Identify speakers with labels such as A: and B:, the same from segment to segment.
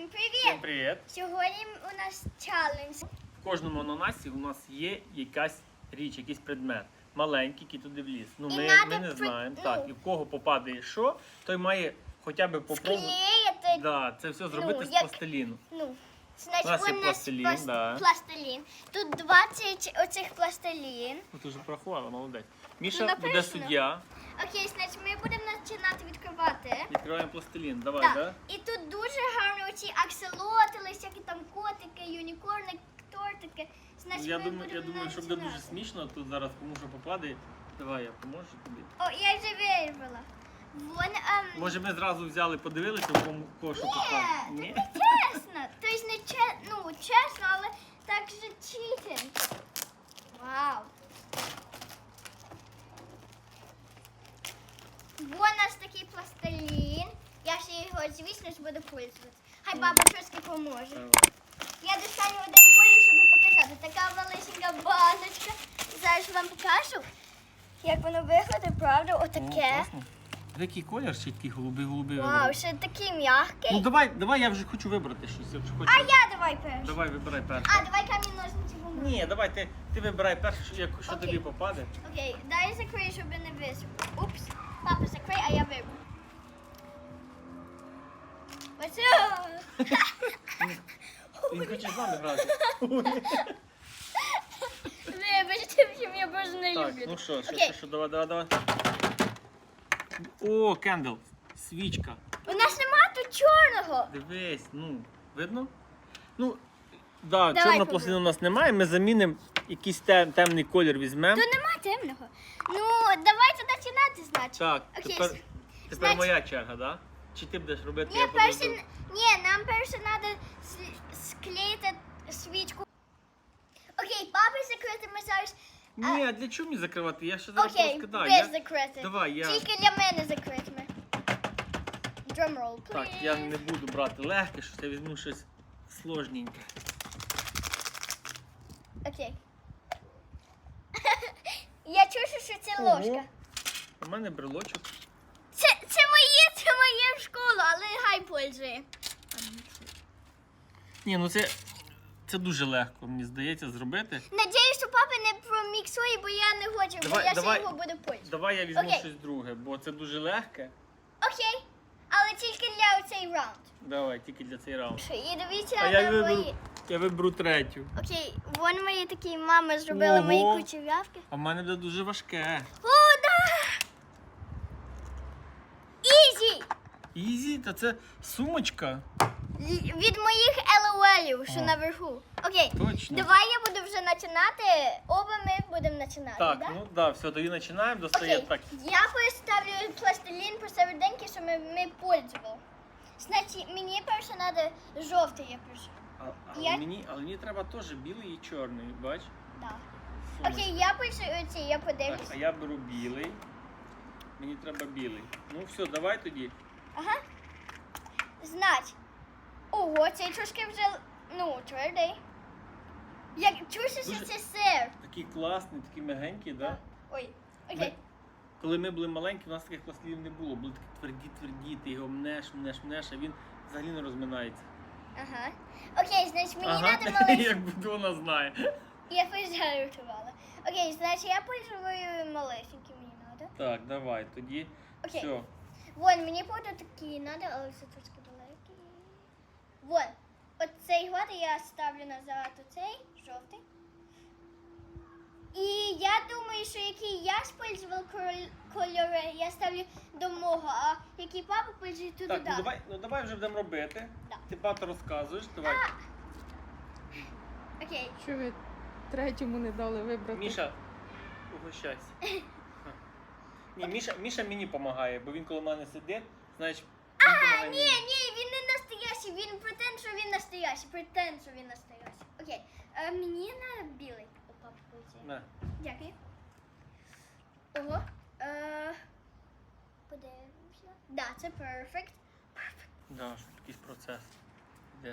A: привіт!
B: Всім привіт!
A: Сьогодні у нас челендж.
B: В кожному ананасі у нас є якась річ, якийсь предмет. Маленький, який туди вліз. Ну, ми не знаємо. Так, і в кого попадає що, той має хоча б попробувати.
A: Склеїти.
B: Да, це все зробити з
A: як-
B: пластиліну.
A: Значить,
B: У нас є
A: у нас
B: пластилін, да.
A: пластилін. Тут 20 оцих пластилін.
B: Ну, ти вже порахувала, молодець.
A: Ну,
B: Міша
A: написано.
B: буде суддя.
A: Окей, значить, ми будемо починати відкривати.
B: Відкриваємо пластилін. Давай,
A: Так.
B: да?
A: І тут дуже гарно оці акселотли, всякі там котики, юнікорни, тортики. Значить,
B: Я
A: ми
B: думаю,
A: будемо
B: що буде дуже
A: починати.
B: смішно тут зараз, кому що попаде. Давай, я поможу тобі.
A: О, я вже вирвала. Вон,
B: Може ми зразу взяли, подивилися, кого що попаде?
A: Ні, це не чесно. Тобто не чесно, але так же читинг. Вау. Вон у нас такий пластилін. Я ще його, звісно ж, буду пользуватися. Хай баба трошки поможе. Я достану один колір, щоб показати. Така малесенька баночка. Зараз вам покажу, як воно виглядає, правда? Отаке.
B: Який колір ще такий голубий.
A: Вау, ще такий м'який.
B: Ну давай, я вже хочу вибрати щось. Я вже хочу.
A: А я давай перший.
B: Давай, вибирай перше.
A: А, давай камінь, ножниці, бумага.
B: Ні, давай, ти вибирай перше, що
A: Окей.
B: тобі попаде.
A: Окей, дай закрию, щоб не висипав. Упс. Папа, закрий, а я виберу. Оце.
B: Він хоче з нами грати.
A: Вибачте, що я просто не
B: Так,
A: люблю.
B: ну що,
A: Окей.
B: давай. О, кендл, свічка.
A: У нас нема тут чорного.
B: Дивись, ну, видно? Ну, да,
A: Давай,
B: чорного
A: Кубик.
B: пластину у нас немає, ми замінимо якийсь темний колір візьмемо.
A: Тут нема темного. Ну, давайте починати, значить.
B: Так,
A: Окей.
B: тепер
A: Значить-
B: моя черга, да? Чи ти будеш робити?
A: Ні,
B: я буду робити?
A: нам перше треба склеїти свічку. Окей, папа закрити, ми зараз...
B: Ні, а для чого мені закривати? Я ще зараз
A: Окей,
B: розкидаю.
A: без закрити.
B: Давай, я...
A: Тільки для мене закритими. Drumroll, please.
B: Так, я не буду брати легке, що я візьму щось сложненьке.
A: Окей. Я чую, що це
B: Ого.
A: ложка.
B: У мене брелочок.
A: Це моє в школу, але хай пользує.
B: Ні, ну це дуже легко, мені здається, зробити.
A: Надіюсь, що папа не проміксує, бо я не хочу, бо
B: Давай,
A: я
B: давай.
A: ще його буду пользувати.
B: Давай я візьму
A: Окей.
B: щось друге, бо це дуже легке.
A: Окей, але тільки для цей раунд.
B: Давай, тільки для цей раунд.
A: І дивіться
B: А
A: на мої.
B: я виберу третю.
A: Окей, вон мої такі мами зробили мої
B: Ого.
A: кучерявки.
B: А в мене буде дуже важке.
A: О, да! Ізі!
B: Ізі, та це сумочка.
A: Від моїх LOL-ів, що
B: О.
A: наверху. Окей,
B: Точно.
A: давай я буду вже починати. Оба ми будемо починати,
B: Так,
A: да?
B: ну да, все, тоді починаємо, достаємо
A: Окей,
B: так.
A: я поставлю пластилін посерединки, щоб ми пользували. Значить, мені перше треба жовтий, я пишу. Я-
B: Але мені треба теж білий і чорний, бач?
A: Да.
B: Сумочка.
A: Окей, я пишу оці, я
B: Так,
A: подивлюсь.
B: а я беру білий. Мені треба білий. Ну все, давай тоді.
A: Ага. Значить. Ого, цей трошки вже, твердий. Як чуєш, що
B: Дуже-
A: це сир?
B: Такий класний, такий м'ягенький, да?
A: Ой, окей.
B: Коли ми були маленькі, у нас таких пластилів не було. Були такі тверді, ти його мнеш, а він взагалі не розминається.
A: Ага. Окей, значить, мені треба маленький.
B: як будь вона знає.
A: Я пожартувала. Окей, значить, я пользую малесенький мені треба.
B: Так, давай, тоді.
A: Окей.
B: Все.
A: Вон, мені буде такі треба, але це трошки далекі. Вон. От цей год я ставлю назад оцей, жовтий. І я думаю, що який я спользував кольори, я ставлю до мого, а який папа пользує туди.
B: Так, давай вже будемо робити.
A: Да.
B: Ти багато розказуєш, давай.
A: Окей.
C: Що ви третьому не дали вибрати?
B: Міша, угощайся. Ні, Міша мені допомагає, бо він коло мене сидить, значить, він допомагає мені.
A: Ні, він не настоящий, він претend, що він настоящий. Окей, мені на білий. О, папа пользує.
B: На.
A: Дякую. Ого. Подивимося. Да, це perfect.
B: Да, що якийсь процес. Де?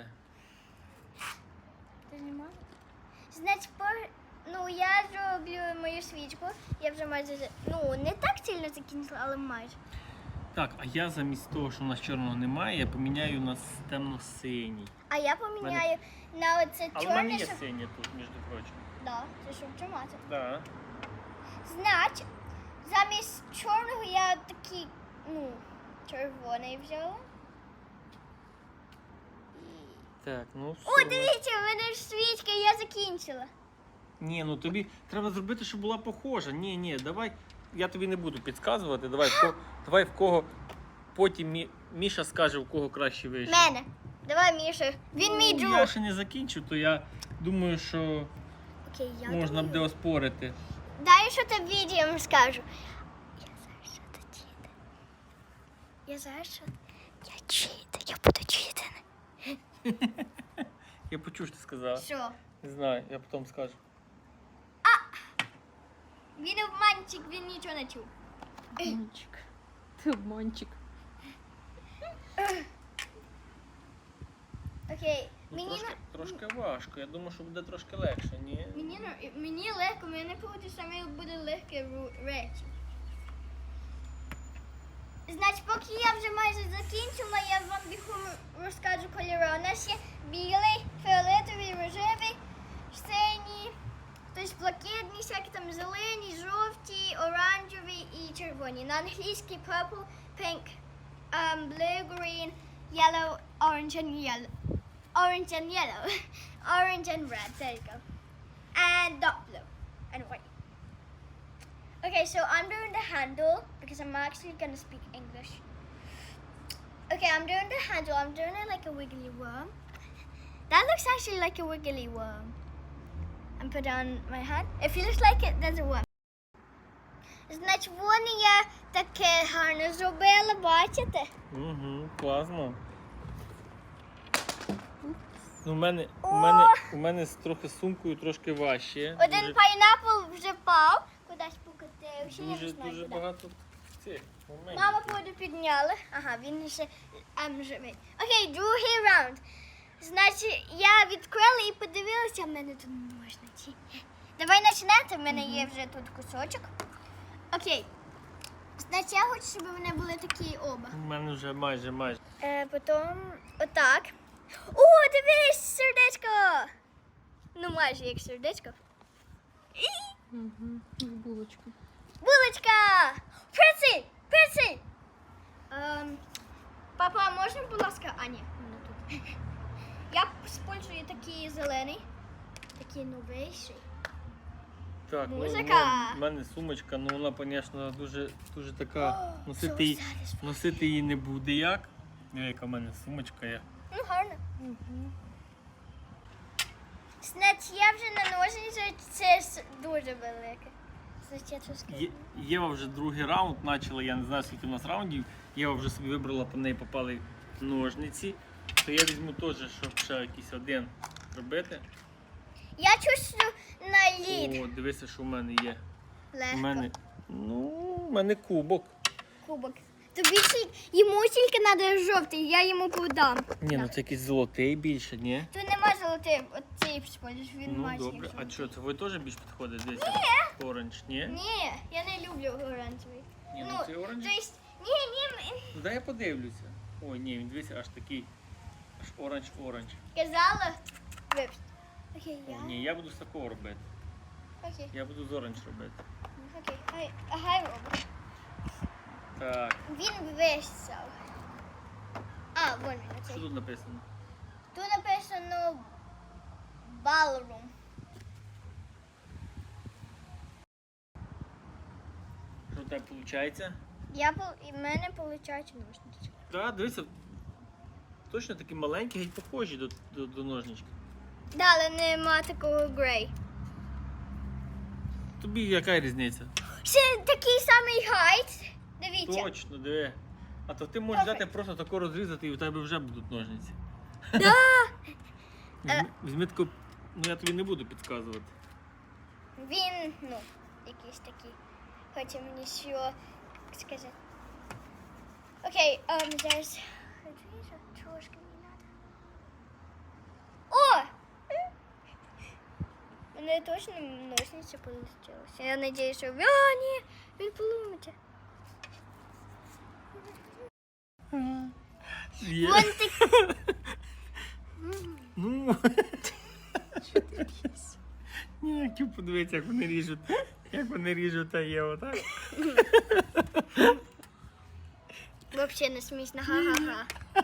A: Ти знімав? Значить, я зроблю мою свічку. Я вже майже, не так сильно закінчила, але майже.
B: Так, а я замість того, що у нас чорного немає, я поміняю на темно-синій.
A: А я поміняю на оце
B: Але в мене
A: чорне,
B: є
A: щоб...
B: синє тут, між прочим.
A: Да, це щоб тримати.
B: Да.
A: Значить, замість чорного я такий, червоний взяла.
B: Так, ну все.
A: О, дивіться, в мене ж свічка, я закінчила.
B: Ні, ну тобі треба зробити, щоб була похожа. Ні, давай. Я тобі не буду підказувати. Давай в кого потім Міша скаже, в кого краще вийшло.
A: Мене. Давай, Міша. Він мій друг.
B: Я ще не закінчив, то я думаю, що
A: Окей, я
B: можна
A: думаю.
B: буде оспорити.
A: Дай, що тобі відео скажу. Я знаю, що ти чити. Я знаю, що я чити. Я буду чити.
B: Я почув, що ти сказала.
A: Що?
B: Не знаю, я потім скажу.
A: Він обманчик, він нічого не чув.
C: Обманчик. Ти обманчик.
A: Окей.
B: Ну,
A: Мені,
B: трошки важко. Я думаю, що буде трошки легше, ні?
A: мені легко, мені буде саме буде легкі речі. Значить, поки я вже майже закінчила, я вам бігом розкажу кольори. У нас є білий, фіолетовий, рожевий, синій, тобто блакитні, всякі там зелені, жовті, оранжеві і червоні. На англійській purple, pink, blue, green, yellow, orange and yellow. Orange and yellow. Orange and red, there you go. And dark blue and white. Okay, so I'm doing the handle because I'm actually gonna speak English. Okay, I'm doing the handle. I'm doing it like a wiggly worm. That looks actually like a wiggly worm. And put on my hand. If you look like it, there's a worm. Значить, вони я таке гарно зробила, бачите?
B: Угу, класно. Ну, у мене з трохи сумкою трошки важче.
A: Один пайнапл вже впав, кудись покотився, я не
B: Дуже
A: знаю куди.
B: багато цих моментів.
A: Мама воду підняла. Ага, він ще живий. Окей, другий раунд. Значить, я відкрила і подивилася, в мене тут ножниці. Давай починати, в мене є вже тут кусочок. Окей. Значить, я хочу, щоб вони були такі оба.
B: У мене вже майже.
A: Потім отак. О, дивись, сердечко! Ну, майже як сердечко.
C: Угу. Булочка.
A: Булочка! Перси! Перси! Папа, можна, будь ласка? А, ні, вона тут. Я спользую такий зелений, такий новіший.
B: Так,
A: Музика.
B: в мене сумочка, ну вона, звісно, дуже така. Носити
A: so satisfying.
B: носити її не буде як. Яка в мене сумочка є.
A: Ну, гарно. Значить, я вже на ножниці, це дуже велике. Значить, я трошки...
B: Єва вже другий раунд почала, я не знаю, скільки у нас раундів. Єва вже собі вибрала, по неї попали ножниці. То я візьму теж, щоб ще якийсь один робити.
A: Я чувствую на лід.
B: О, дивися, що в мене є.
A: Легко.
B: У мене кубок.
A: Кубок. Тобі йому тільки треба жовтий, я йому подам.
B: Ні, ну це якийсь золотий більше, ні?
A: Тут нема золотий, оцей сподіваюсь, він
B: Ну
A: має
B: добре. А що, це ви теж більш підходить? Дивіться. Оранж, ні?
A: Ні, я не люблю оранжевий.
B: Ні, ну це оранж.
A: То есть, ні,
B: Ну дай я подивлюся. Ой, ні, він дивися, аж такий. Аж оранж.
A: казала, випуск. Окей,
B: О,
A: я.
B: ні, я буду з такого робити.
A: Окей,
B: Я буду з оранж робити.
A: окей, хай робить.
B: Так,
A: Він висав. А, вон він,
B: що
A: оцей.
B: тут написано?
A: Тут написано ballroom.
B: Що в тебе виходить?
A: І в мене виходить ножниці.
B: Так, дивися. Точно такі маленькі, геть похожі до ножнички.
A: Да, але нема такого грей.
B: Тобі яка різниця?
A: Ще такий самий хайт. Дивіться.
B: Точно, диви. А то ти можеш взяти просто тако розрізати і у тебе вже будуть ножниці.
A: Да.
B: Візьми таку, ну я тобі не буду підказувати.
A: Він, якийсь такий. Хоче мені що сказати. Окей, зараз. Трошки мені треба. О! Мене точно ножниці полетілося. Я сподіваюся, що... А, ні, він поломиться.
B: Є.
A: Вон такі.
B: Ну,
C: Що ти б'єшся?
B: ні, я хотів подивитися, як вони ріжуть. Як вони ріжуть, а є отак.
A: Взагалі не смішно, ха-ха-ха.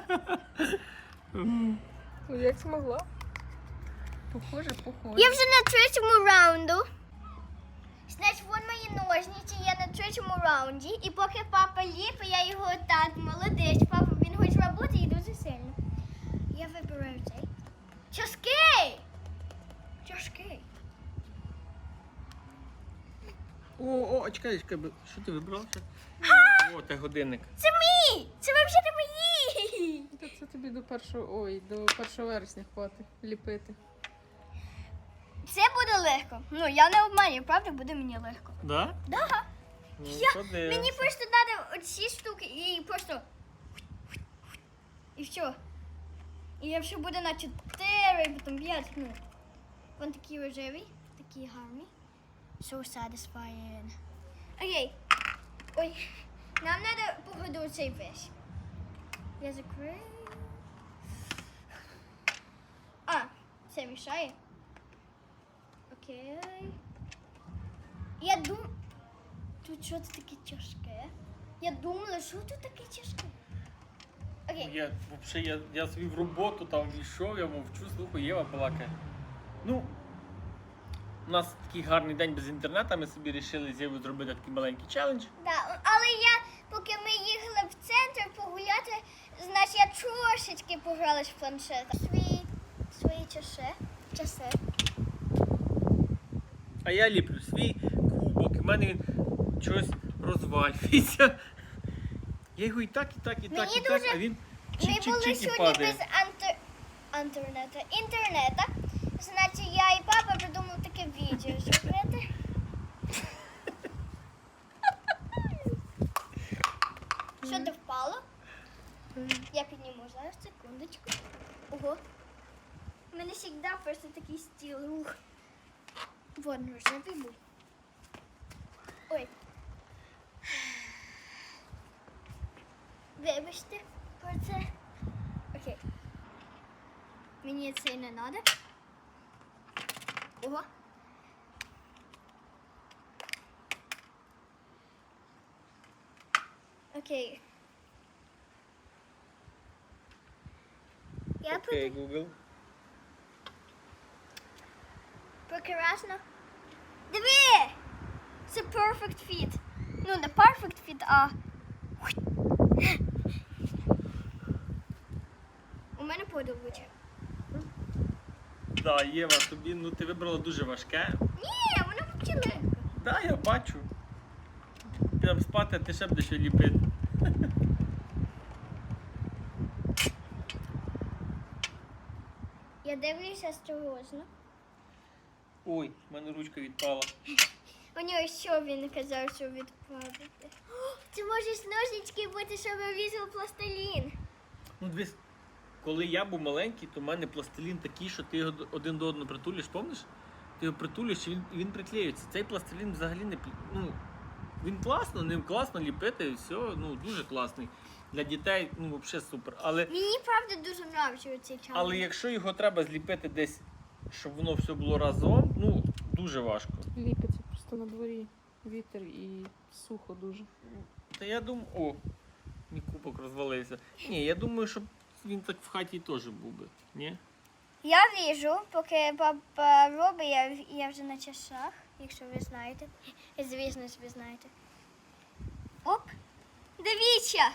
C: Ну, як змогла? Похоже.
A: Я вже на третьому раунду. Значить, вон мої ножниці, я на третьому раунді. І поки папа ліпить, я його так, молодець, папа, він хоче роботи і дуже сильно. Я вибираю цей. Тяжкий! Тяжкий.
B: О, чекай, що ти вибрав? О, це годинник.
A: Це мій! Це взагалі мої!
C: Та це тобі до 1 вересня хватить ліпити.
A: Це буде легко. Ну, я не обманюю, правда, буде мені легко.
B: Да?
A: Да.
B: Ну,
A: Мені
B: подивимося.
A: просто треба оці штуки і просто. І все. І якщо буде на 4, потім 5, ну. Вон такі рожеві, такі гарні. So satisfying. Окей. Ой. Нам треба погодити цей весь. Я закрию. А, це мішає. Окей. Я думаю... Тут щось таке тяжке. Я думала, що тут таке тяжке. Окей.
B: Я собі в роботу там війшов, я мовчу, слухаю, Єва балакає. Ну, у нас такий гарний день без інтернету, ми собі вирішили з Євою зробити такий маленький челендж.
A: Да, але поки ми їхали в центр погуляти, значить я трошечки погралась в планшет. Свої часи.
B: А я ліплю свій кубок, і в мене він чогось розвалюється. Я його і так,
A: Мені
B: а
A: дуже-
B: він
A: Ми були
B: чик-чик-чик і
A: сьогодні
B: падає.
A: без інтернету. Значить, я і папа придумали таке відео зробити. Що ти впало? Я підніму зараз, секундочку. Ого. У мене завжди просто такий стіл рух. Вон рожевий був. Ой. Вибачте про це. Окей. Мені це не треба. Ого. Окей. Я
B: Окей, Google.
A: прекрасно. Диви! Це perfect fit. Ну, не perfect fit, а... У мене подобається.
B: Да, Єва, тобі, ну ти вибрала дуже важке.
A: Ні, воно взагалі легко.
B: Да, я бачу. Підемо спати, а ти ще будеш ліпити.
A: Я дивлюся осторожно.
B: Ой, в мене ручка відпала.
A: У нього що він казав, що відпадати? Це може з ножнички бути, щоб різав пластилін.
B: Ну, дивись, коли я був маленький, то в мене пластилін такий, що ти його один до одного притулиш, пам'ятаєш? Ти його притулиш, і він приклеюється. Цей пластилін взагалі не ну, він класно, ним класно ліпити, і все, ну, дуже класний. Для дітей, ну, взагалі супер.
A: Мені правда дуже подобається цей чай.
B: Але якщо його треба зліпити десь, щоб воно все було разом, ну, дуже важко.
C: Ліпиться просто на дворі. Вітер і сухо дуже.
B: Та я думаю, о, мій кубок розвалився. Ні, я думаю, щоб він так в хаті теж був би, ні?
A: Я віжу, поки папа робить, я вже на часах, якщо ви знаєте. Звісно, ви знаєте. Оп! Дивіться!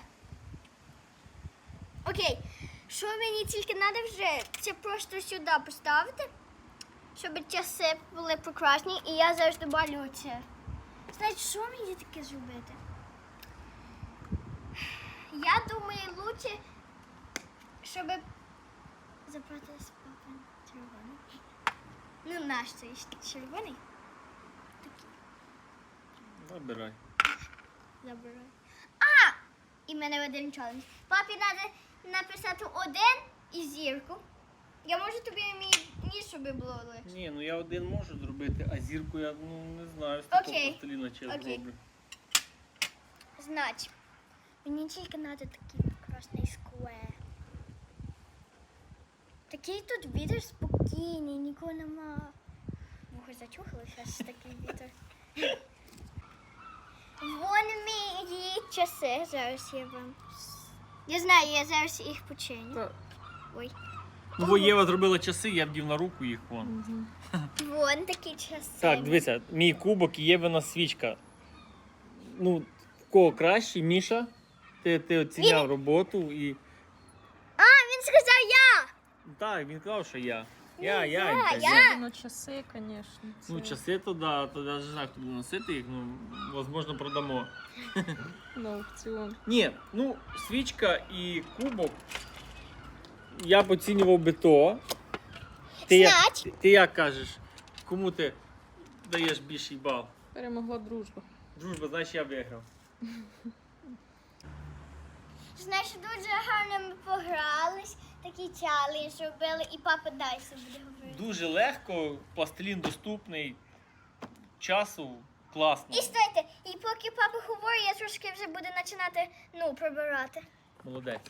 A: Окей, що мені тільки треба вже, це просто сюди поставити, щоб часи були прекрасні, і я зараз добавлю це. Значить, що мені таке зробити? Я думаю, лучше, щоб забрати з папин червоний. Ну, наш цей червоний. Такий.
B: Забирай.
A: Забирай. А! І в мене один челендж. Папі треба написати один і зірку. Я можу тобі мій ніж, щоб було легше.
B: Ні, ну я один можу зробити, а зірку я, ну, не знаю, з такого
A: Окей.
B: пластиліна чи я
A: Окей.
B: зроблю.
A: Значить, мені тільки треба такий прекрасний сквер. Такий тут вітер спокійний, нікого нема. Вухо зачухалося, аж такий вітер. Вон мої часи. Зараз я вам. Я знаю, я зараз їх починю.
C: Та,
A: Ой.
B: Ну, бо Єва зробила часи, я вдів на руку їх вон.
C: мгм.
A: Вон такі часи.
B: Так, дивися, мій кубок і Євина свічка. Ну, в кого краще, Міша? Ти оціняв роботу і.
A: А, він сказав я!
B: Так, він казав, що я.
A: Ні,
B: Я.
A: я.
C: Ну, часи, звісно.
B: Ну, часи то да, то я не знаю, хто буде носити їх, ну, можливо, продамо.
C: На аукціон.
B: Ні, ну, свічка і кубок. Я б оцінював би то. Ти як кажеш? Кому ти даєш більший бал?
C: Перемогла дружба.
B: Дружба, значить я виграв.
A: Знаєш, дуже гарно ми погрались, такий челендж робили, і папа далі буде говорити.
B: Дуже легко, пластилін доступний, часу класно.
A: І стойте, і поки папа говорить, я трошки вже буду починати, прибирати.
B: Молодець.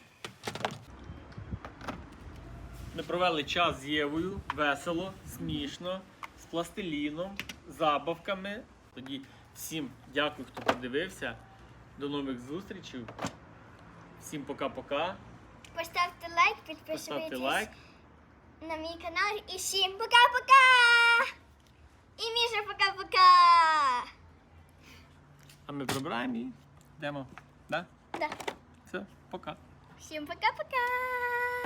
B: Ми провели час з Євою, весело, смішно, з пластиліном, забавками. Тоді всім дякую, хто подивився. До нових зустрічей. Всім пока-пока.
A: Поставте лайк,
B: Поставте
A: підписуйтесь
B: лайк.
A: на мій канал і всім пока-пока! І Міша пока-пока!
B: А ми прибираємо і йдемо. Да?
A: Да.
B: Все, пока.
A: Всім пока-пока!